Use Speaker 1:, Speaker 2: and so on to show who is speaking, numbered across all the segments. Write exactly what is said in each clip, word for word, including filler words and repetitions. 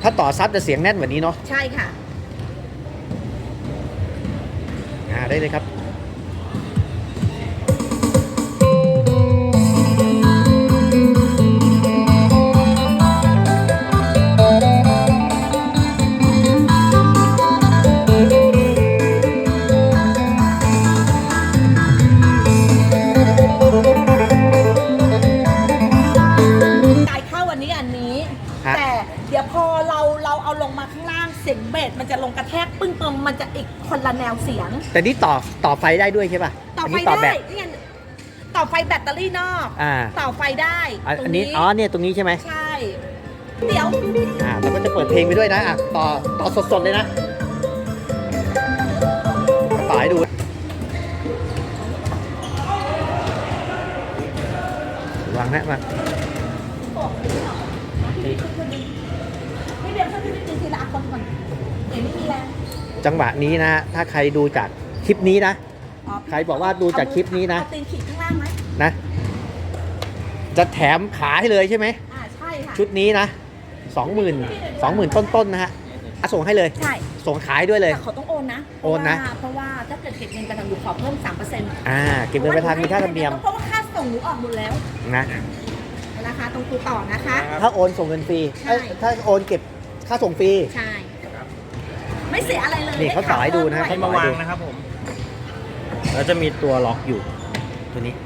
Speaker 1: าต่อซับจะเสียงแน่นกว่านี้เนาะ
Speaker 2: ใช่ค่ะ
Speaker 1: อ่าได้เลยครับ
Speaker 2: แต่เดี๋ยวพอเราเราเอาลงมาข้างล่างเสียงเบสมันจะลงกระแทกปึ้งปึ้งมันจะอีกคนละแนวเสียง
Speaker 1: แต่นี่ต่อต่อไฟได้ด้วยใช่ป่ะ
Speaker 2: ต่อไฟได้นี่ต่อไฟแบตเตอรี่นอกต่อไฟได้
Speaker 1: อันนี้อ๋อเนี่ยตรงนี้ใช่ไหม
Speaker 2: ใช่เดี๋ยว
Speaker 1: อ่าแล้วก็จะเปิดเพลงไปด้วยนะอ่ะต่อต่อสดๆเลยนะต่อให้ดูวางนะมาจังหวะนี้นะถ้าใครดูจากคลิปนี้นะใครบอกว่าดูจากคลิปนี้นะ
Speaker 2: ตีนขีดข้างล่างไหม
Speaker 1: นะจะแถมขาให้เลยใช่ไหม
Speaker 2: อ่าใช่ค่ะ
Speaker 1: ชุดนี้นะสองหมื่นสองหมื่นต้นๆนะฮะส่งให้เลย
Speaker 2: ใช่
Speaker 1: ส่งขายด้วยเลย
Speaker 2: แต่เขาต้องโอนนะ
Speaker 1: โอนนะ
Speaker 2: เพราะว่าถ้าเกิดเก็บเงินประกันอยู่ขอเพิ่มสามเปอร์เซ็นต์
Speaker 1: อ่าเก็บเงินประกันมีค่าธรรมเนียม
Speaker 2: เพราะว่าค่าส่งหนูออกหมดแล้ว
Speaker 1: นะ
Speaker 2: นะคะตรงตัวต่อนะคะ
Speaker 1: ถ้าโอนส่งเงินฟรีถ้าโอนเก็บค่าส่งฟรี
Speaker 2: ใช่ไม่เสียอะไรเลย
Speaker 1: นี่เขาต่อให้ดูนะ
Speaker 3: ให้มาวางนะครับผมแล้วจะมีตัวล็อกอยู่
Speaker 1: ตัวนี้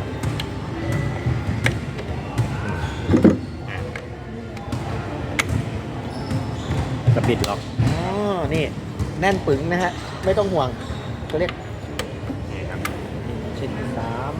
Speaker 3: กระบิดล็อก
Speaker 1: อ๋อนี่แน่นปึ๋งนะฮะไม่ต้องห่วงตัวเล็กชิ้นสาม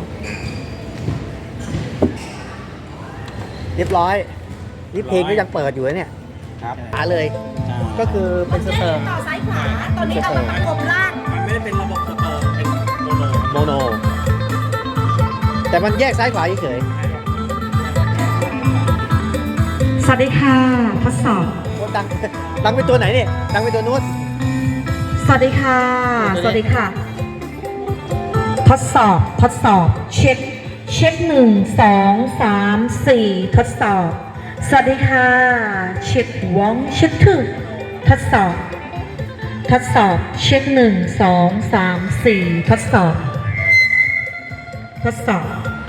Speaker 1: เรียบร้อยนี่เพลงก็ยังเปิดอยู่เนี่ย
Speaker 3: ครับ
Speaker 1: หาเลยก็คือเป็นสเตอร์
Speaker 2: ต่อซ้ายขวาตอนนี้เอามาประกบล่าง
Speaker 3: มันไม่ได้เป็นระบบสเตอร์เป็นโมโน
Speaker 1: โมโนแต่มันแยกซ้ายขวาเฉย
Speaker 2: สวัสดีค่ะทดสอบ
Speaker 1: ดังดังเป็นตัวไหนเนี่ยดังเป็นตัวนู้น
Speaker 2: สวัสดีค่ะสวัสดีค่ะทดสอบทดสอบเช็คเช็คหนึ่งสองสามสี่ทดสอบสวัสดีค่ะเช็ควองเช็คทูทดสอบทดสอบเช็คหนึ่งสองสามสี่ทดสอบทดสอบ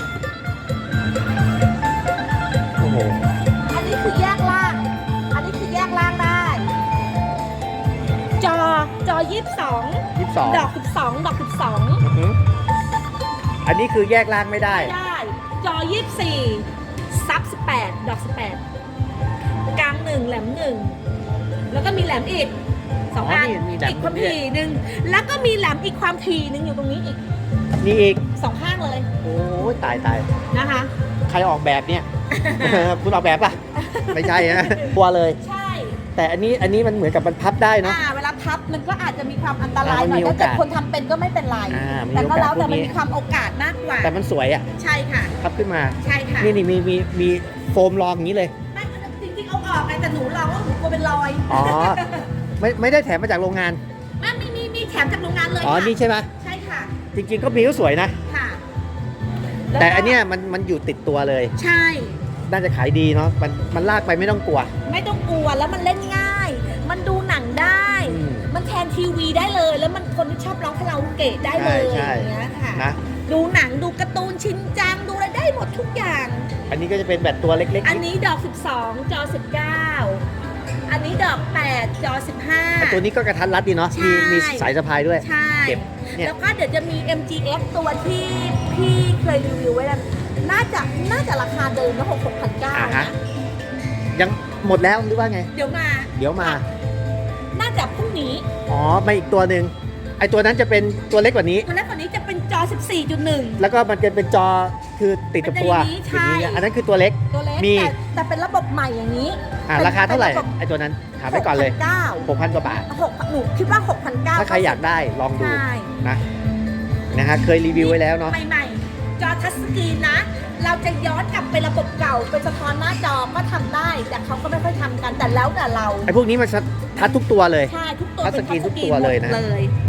Speaker 1: โอ้โห
Speaker 2: อันนี้คือแยกล่างอันนี้คือแยกล่างได้จอจอยี่สิบสอง
Speaker 1: ยี่สิบสอง
Speaker 2: ดอกสิบสองดอกสิบสอง
Speaker 1: อันนี้คือแยกล่างไม่ได้
Speaker 2: ไม่ได้จอยี่สิบสี่ซับสิบแปดดอกสิบแปดกลางหนึ่งแหลมหนึ่งแล้วก็มีแหลมอีกสองอันอีกความถี่หนึ่งแล้วก็มีแหลมอีกความถี่หนึ่งอยู่ตรงนี้อีก
Speaker 1: นี่อีก
Speaker 2: สองข้างเลย
Speaker 1: โอ้ยตายตาย
Speaker 2: นะคะ
Speaker 1: ใครออกแบบเนี่ย คุณออกแบบป่ะไม่ใช่นะตัวเลย
Speaker 2: ใช่
Speaker 1: แต่อันนี้อันนี้มันเหมือนกับมันพับได้เนาะ
Speaker 2: เวลาพับมันก็อาจจะมีความอันตรายหน่อยถ้าเกิดคนทำเป็นก็ไม่เป็นไรแต่ก็แล้วแต่มันมีความโอกาสมากกว่า
Speaker 1: แต่มันสวยอ่ะ
Speaker 2: ใช่ค่ะ
Speaker 1: พับขึ้นมา
Speaker 2: ใช่ค่ะ
Speaker 1: นี่นี่มีมีมีโฟมรองอย่างนี้เลย
Speaker 2: จริงๆเอาออกไงแต่หนูเราว่าหนูกลัวเป็นรอย
Speaker 1: อ๋อไม่ไม่ได้แถมมาจากโรงงาน
Speaker 2: ไม่มีมีมีแถมจากโรงงานเลย
Speaker 1: อ๋อนี่ใช่ไหม
Speaker 2: ใช่ค่ะ
Speaker 1: จริงๆก็มีก็สวยนะ
Speaker 2: ค่ะ
Speaker 1: แต่อันเนี้ยมันมันอยู่ติดตัวเลย
Speaker 2: ใช่
Speaker 1: น่าจะขายดีเนาะมันมันลากไปไม่ต้องกลัว
Speaker 2: ไม่ต้องกลัวแล้วมันเล่นง่ายมันดูหนังได้มันแทนทีวีได้เลยแล้วมันคนที่ชอบร้องคาราโอเกะได้เลยอย่างเงี้ยค่ะ
Speaker 1: นะ
Speaker 2: ดูหนังดูการ์ตูนชินจังดูอะไรได้หมดทุกอย่าง
Speaker 1: อันนี้ก็จะเป็นแบบตัวเล็กๆ
Speaker 2: อันนี้ดอกสิบสองจอสิบเก้าอันนี้ดอกแปดจอสิบห้า
Speaker 1: ตัวนี้ก็กระทัดรัดดีเนาะมีมีสายสะพายด้วย
Speaker 2: ใช่แล้วก็เดี๋ยวจะมี เอ็ม จี เอฟ ตัวที่พี่เคยรีวิวไว้แล้วน่าจะน่าจะราคาเดิมนะหกหกพันเก้านะ
Speaker 1: ยังหมดแล้วหรือว่าไง
Speaker 2: เดี๋ยวมา
Speaker 1: เดี๋ยวมา
Speaker 2: น่าจะพรุ่งนี้
Speaker 1: อ๋อมาอีกตัวหนึ่งไอตัวนั้นจะเป็นตัวเล็กกว่านี้
Speaker 2: ตัวเล็กกว่านี้จะเป็นจอ สิบสี่จุดหนึ่ง
Speaker 1: แล้วก็มันจะเป็นจอคือติดกับตัว
Speaker 2: อย่างนี้
Speaker 1: อันนั้นคือตัวเล็ก
Speaker 2: ตัวเล็กมีแต่เป็นระบบใหม่อย่างนี้
Speaker 1: อ่าราคาเท่าไหร่ไอตัวนั้นถามไปก่อนเลยหกพันกว่าบาท
Speaker 2: หกหนูคิดว่าหกพันเก้า
Speaker 1: ถ้าใครอยากได้ลองดูนะนะฮะเคยรีวิวไว้แล้วเนาะ
Speaker 2: ใหม่ๆจอทัชสกรีนนะเราจะย้อนกลับไประบบเก่าเป็นสะท้อนหน้าจอก็ทำได้แต่เขาก็ไม่ค่อยทำกันแต่แล้วแต่เรา
Speaker 1: ไอ้พวกนี้มันทัชทุกตัวเลย
Speaker 2: ใช่ทุกตัว
Speaker 1: ทัชสกรีนทุกตัวเลยนะ